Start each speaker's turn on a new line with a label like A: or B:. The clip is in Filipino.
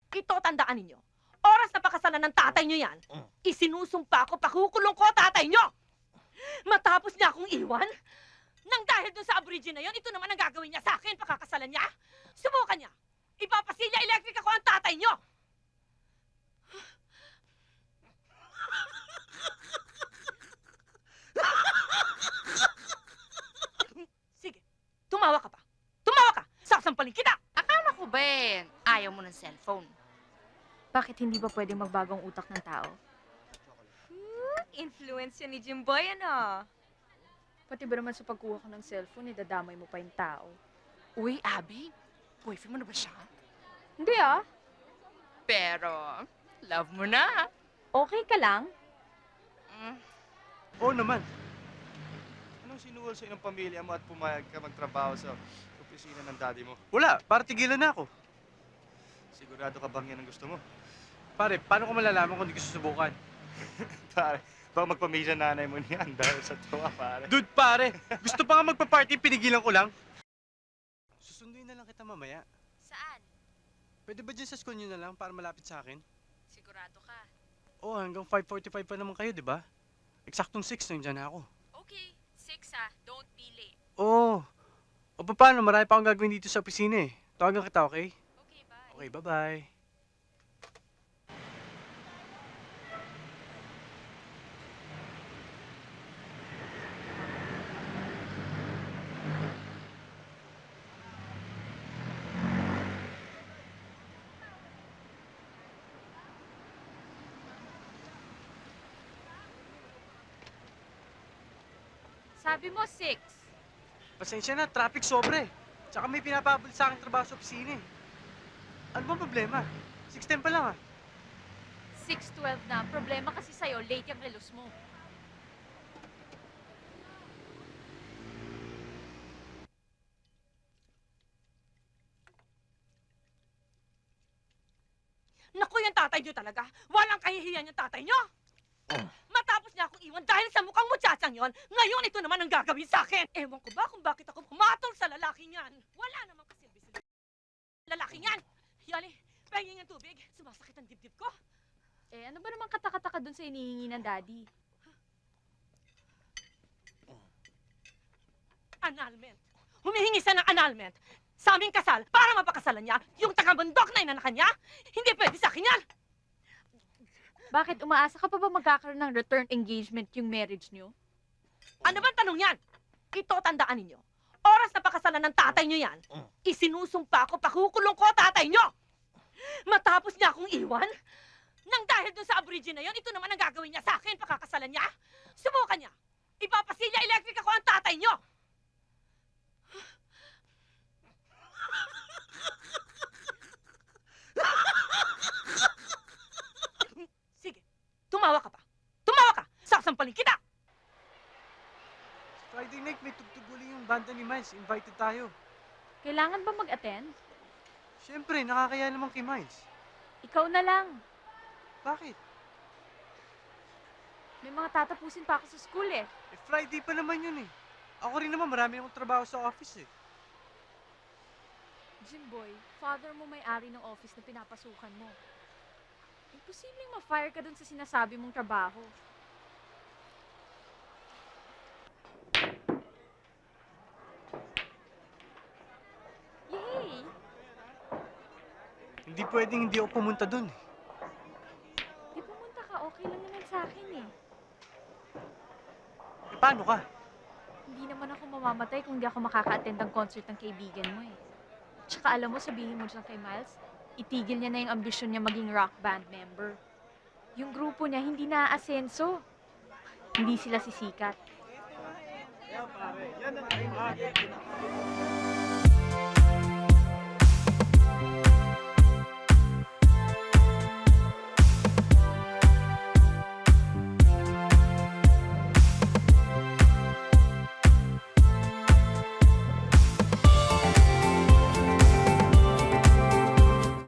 A: Ito, tandaan ninyo. Oras na pakasalan ng tatay nyo yan, isinusumpa ko, pakukulong ko tatay nyo! Matapos niya akong iwan, nang dahil dun sa aborigine na yon, ito naman ang gagawin niya sa akin, pakakasalan niya. Subukan niya. Ipapasilya electric ako ang tatay nyo! Sige, tumawa ka pa. Tumawa ka! Sasampalin kita!
B: Akala ko ba ayaw mo ng cellphone?
C: Bakit hindi ba pwedeng magbago ang utak ng tao?
D: Influence yan ni Jimboy, ano?
C: Pati ba naman sa pagkuha ko ng cellphone, idadamay mo pa yung tao?
B: Uy, Abby, boyfriend mo na ba siya?
C: Hindi ah.
B: Pero, love mo na.
C: Okay ka lang?
E: Oo naman. Anong sinuwal sa ng pamilya mo at pumayag ka magtrabaho sa opisina ng daddy mo?
F: Wala, para tigilan na ako.
E: Sigurado ka bang yan ang gusto mo?
F: Pare, paano ko malalaman kung di ko susubukan?
E: Pare, baka magpamilya nanay mo niyan dahil sa tuwa, pare.
F: Dude, pare! Gusto pa nga magpa-party, pinigilan ko lang. Susunduin na lang kita mamaya.
B: Saan?
F: Pwede ba dyan sa school nyo na lang para malapit sa akin?
B: Sigurado ka.
F: Oo, hanggang 5:45 pa naman kayo, di ba? Eksaktong 6 nandiyan na ako.
B: Okay, 6 ha. Don't be late.
F: Oo. O paano, marami pa akong gagawin dito sa opisina eh. Tawagan kita, okay?
B: Okay, bye.
F: Okay, bye-bye.
C: Sabi mo 6.
F: Pasensya na, traffic sobre. Tsaka may pinapabol sa akin trabaho sa opisina eh. Ano bang problema? 6:10 pa lang ah.
C: 6:12 na. Ang problema kasi sa'yo, late yung relos mo.
A: Naku, yung tatay nyo talaga. Walang kahihiyan yung tatay nyo. Matapos niya akong iwan dahil sa mukhang mutsatsang yon, ngayon ito naman ang gagawin sa akin. Ewan ko ba kung bakit ako pumatol sa lalaking yan. Wala namang kasilbi sa lalaking yan. Yali, pahingin ng tubig. Sumasakit ang dibdib ko.
C: Eh, ano ba naman katakataka dun sa inihingi ng daddy?
A: Annulment. Humihingi siya ng annulment sa aming kasal para mapakasalan niya yung taga-bundok na inanakan niya. Hindi pwede sa akin yan.
C: Bakit umaasa ka pa ba magkakaroon ng return engagement yung marriage niyo?
A: Ano bang tanong yan? Ito, tandaan ninyo. Oras na pakasalan ng tatay nyo yan, isinusumpa ko, pakukulong ko tatay nyo! Matapos niya akong iwan, nang dahil dun sa aborigine na yon, ito naman ang gagawin niya sa akin, pakakasalan niya. Subukan niya. Ipapasilya electric ako ang tatay nyo! Sige, tumawa ka pa. Tumawa ka! Sasampalin kita!
F: Friday night, may tugtog uli yung banda ni Miles. Invited tayo.
C: Kailangan ba mag-attend?
F: Siyempre, nakakaya naman kay Miles.
C: Ikaw na lang.
F: Bakit?
C: May mga tatapusin pa ako sa school eh.
F: Eh, Friday pa naman yun eh. Ako rin naman, marami akong trabaho sa office eh.
C: Jimboy, father mo may-ari ng office na pinapasukan mo. Imposibleng ma-fire ka dun sa sinasabi mong trabaho. Yay!
F: Hindi pwedeng hindi ako pumunta dun eh.
C: Di pumunta ka, okay lang naman sa akin eh.
F: Eh, paano ka?
C: Hindi naman ako mamamatay kung di ako makaka-attend ng concert ng kaibigan mo eh. Tsaka alam mo, sabihin mo dyan kay Miles, itigil niya na yung ambisyon niya maging rock band member. Yung grupo niya hindi naaasenso. Hindi sila sisikat.
F: Yan pare, yan ang